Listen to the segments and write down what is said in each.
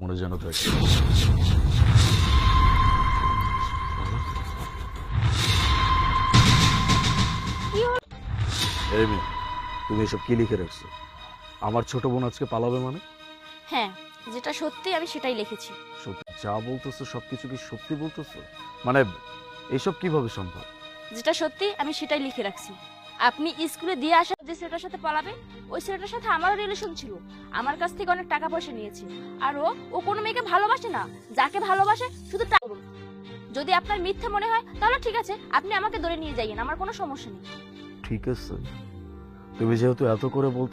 মনে যেন থাকে। এই মেয়ে, তুমি এসব কি লিখে রাখছো? আমার ছোট বোন আজকে পালাবে মানে? হ্যাঁ, যেটা সত্যি আমি সেটাই লিখেছি। সত্যি যা বলতেছো সবকিছু কি সত্যি বলতেছো? মানে এইসব কিভাবে সম্ভব? যেটা সত্যি আমি সেটাই লিখে রাখছি। আপনি স্কুলে দিয়ে আসা যে ছেলেটার সাথে পালাবে, ওই ছেলেটার সাথে আমারও রিলেশন ছিল। আমার কাছ থেকে অনেক টাকা পয়সা নিয়েছে। আর ও কোনো মেয়েকে ভালোবাসে না, যাকে ভালোবাসে শুধু টাকা। যদি আপনার মিথ্যা মনে হয় তাহলে ঠিক আছে, আপনি আমাকে ধরে নিয়ে যাইয়েন, আমার কোনো সমস্যা নেই। ঠিক আছে, তুমি যেহেতু এত করে বলতো।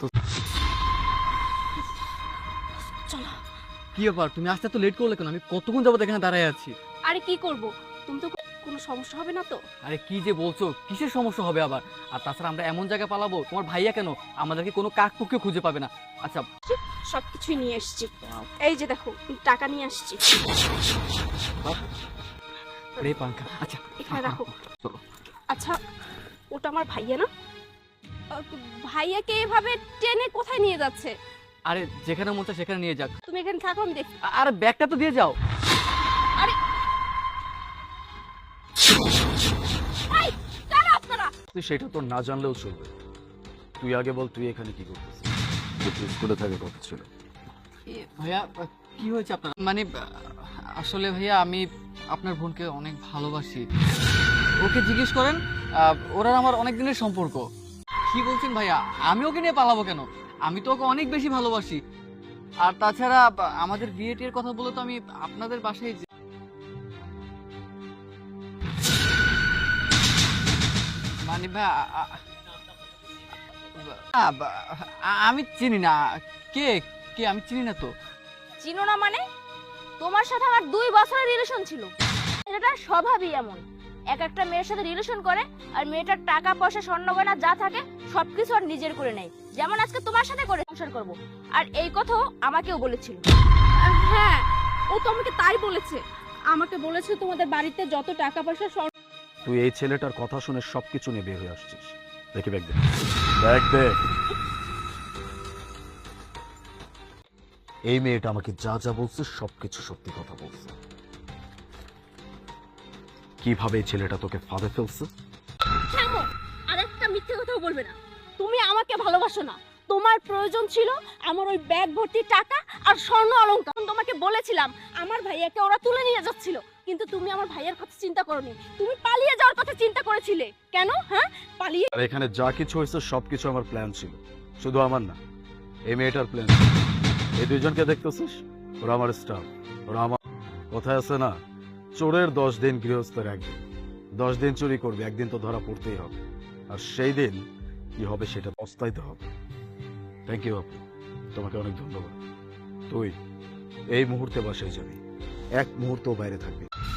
চলো। কি ব্যাপার, তুমি আসতে তো লেট করলে কেন? আমি কতক্ষণ যাবত এখানে দাঁড়ায় আছি। আরে কি করব, তুমি তো কোনো সমস্যা হবে না তো? আরে কি যে বলছো, কিসের সমস্যা হবে আবার? আর তাছাড়া আমরা এমন জায়গায় পালাবো, তোমার ভাইয়া কেন আমাদেরকে কোনো কাকপক্ষে খুঁজে পাবে না। আচ্ছা, সবকিছুই নিয়ে এসেছি, এই যে দেখো টাকা নিয়ে আসছি। রে পাঙ্খা, আচ্ছা এখানে রাখো। চলো। আচ্ছা, ওটা আমার ভাইয়া না? ভাইয়াকে এভাবে টেনে কোথায় নিয়ে যাচ্ছে? আরে যেখানে মন চায় সেখানে নিয়ে যাক। তুমি এখানে থাকো, আমি দেখি। আরে ব্যাগটা তো দিয়ে যাও। আরে এই, কারা আপনারা? তুই সেটা তো না জানলেও চলবে। তুই আগে বল, তুই এখানে কি করতেছিস? তুই স্কুলে থাকে কথা ছিল। ভাইয়া কি হয়েছে আপনার? মানে আসলে ভাইয়া আমি আপনার বোনকে অনেক ভালোবাসি। ওকে জিজ্ঞেস করেন, ওরা আমার অনেক দিনের সম্পর্ক। কি বলছেন ভাইয়া? আমি ওকে নিয়ে পালাবো কেন? আমি তো ওকে অনেক বেশি ভালোবাসি। আর তাছাড়া আমাদের বিয়ে টিয়ের কথা বলে তো আমি আপনাদের বাসায় মানে ভাই আমি চিনি না। কে কে আমি চিনি না তো। চিনো না মানে? তোমার সাথে আমার 2 বছরের রিলেশন ছিল। এটা স্বভাবই এমন, এক একটা মেয়ের সাথে রিলেশন করে আর মেয়েটার টাকা পয়সা স্বর্ণ গয়না যা থাকে সবকিছু আর নিজের করে নেয়। যেমন আজকে তোমার সাথে করে সংসার করব। আর এই কথাও আমাকেও বলেছিল। হ্যাঁ, ও তো আমাকে তাই বলেছে। আমাকে বলেছে তোমাদের বাড়িতে যত টাকা পয়সা স্বর্ণ। তুই এই ছেলেটার কথা শুনে সবকিছু নিয়ে বের হয়ে আসছিস। দেখি ব্যাগ দে, ব্যাগ দে। এই মেয়েটা আমাকে যা যা বলছে সবকিছু সত্যি কথা বলছে। কিভাবে এই ছেলেটা তোকে ফাঁদে ফেলছে? থামো, আর একটা মিথ্যে কথাও বলবে না। তুমি আমাকে ভালোবাসো না। তোমার প্রয়োজন ছিল আমার ওই ব্যাগ ভর্তি টাকা আর স্বর্ণ অলংকার। আমি তোমাকে বলেছিলাম আমার ভাইয়াকে ওরা তুলে নিয়ে যাচ্ছিল, কিন্তু তুমি আমার ভাইয়ের কথা চিন্তা করোনি। তুমি পালিয়ে যাওয়ার কথা চিন্তা করেছিলে। কেন? হ্যাঁ, পালিয়ে। আর এখানে যা কিছু হয়েছে সবকিছু আমার প্ল্যান ছিল, শুধু আমার না, এই মেয়েটার প্ল্যান। এই দুইজনকে দেখতেছিস, ওরা আমার স্টাফ। ওরা আমার কথায় আছে না, চোরের 10 দিন, গৃহস্থের 1 দিন। 10 দিন চুরি করবে, একদিন তো ধরা পড়তেই হবে। আর সেই দিন কি হবে সেটা পস্তাইতে হবে। থ্যাংক ইউ আপু, তোমাকে অনেক ধন্যবাদ। তুই এই মুহূর্তে বাসায় যাবি, 1 মুহূর্তও বাইরে থাকবি।